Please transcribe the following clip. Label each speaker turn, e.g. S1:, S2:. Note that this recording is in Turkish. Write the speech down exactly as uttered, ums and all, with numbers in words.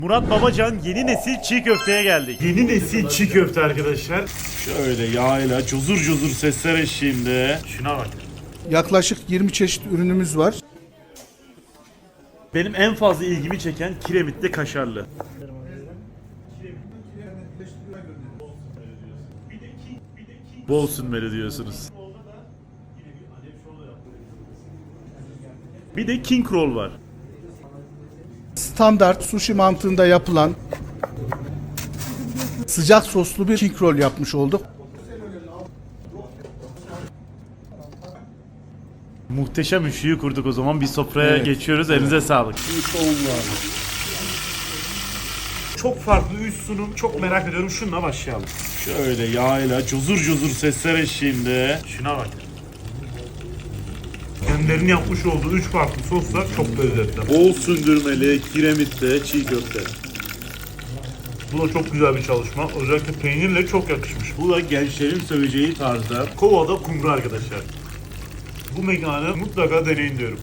S1: Murat Babacan yeni nesil çiğ köfteye geldik. Yeni nesil çiğ köfte arkadaşlar. Şöyle yağıyla cozur cozur sesler eşliğinde. Şuna bak.
S2: Yaklaşık yirmi çeşit ürünümüz var.
S1: Benim en fazla ilgimi çeken kiremitli kaşarlı. Bol sünmeli diyorsunuz. Bir de king roll var.
S2: Standart sushi mantığında yapılan sıcak soslu bir king roll yapmış olduk.
S1: Muhteşem üçlüyü kurduk o zaman. Bir sofraya
S2: Evet,
S1: geçiyoruz. Elinize sağlık.
S3: Çok farklı üç sunum. Çok merak ediyorum. Şununla başlayalım.
S1: Şöyle yağıyla cozur cozur sesler eşliğinde. Şuna bak.
S3: Kendilerinin yapmış olduğu üç farklı soslar çok lezzetli.
S1: Bol sündürmeli, kiremitli çiğ köfte.
S3: Bu da çok güzel bir çalışma. Özellikle peynirle çok yakışmış.
S1: Bu da gençlerin seveceği tarzda.
S3: Kovada kumru arkadaşlar. Bu mekanı mutlaka deneyin diyorum.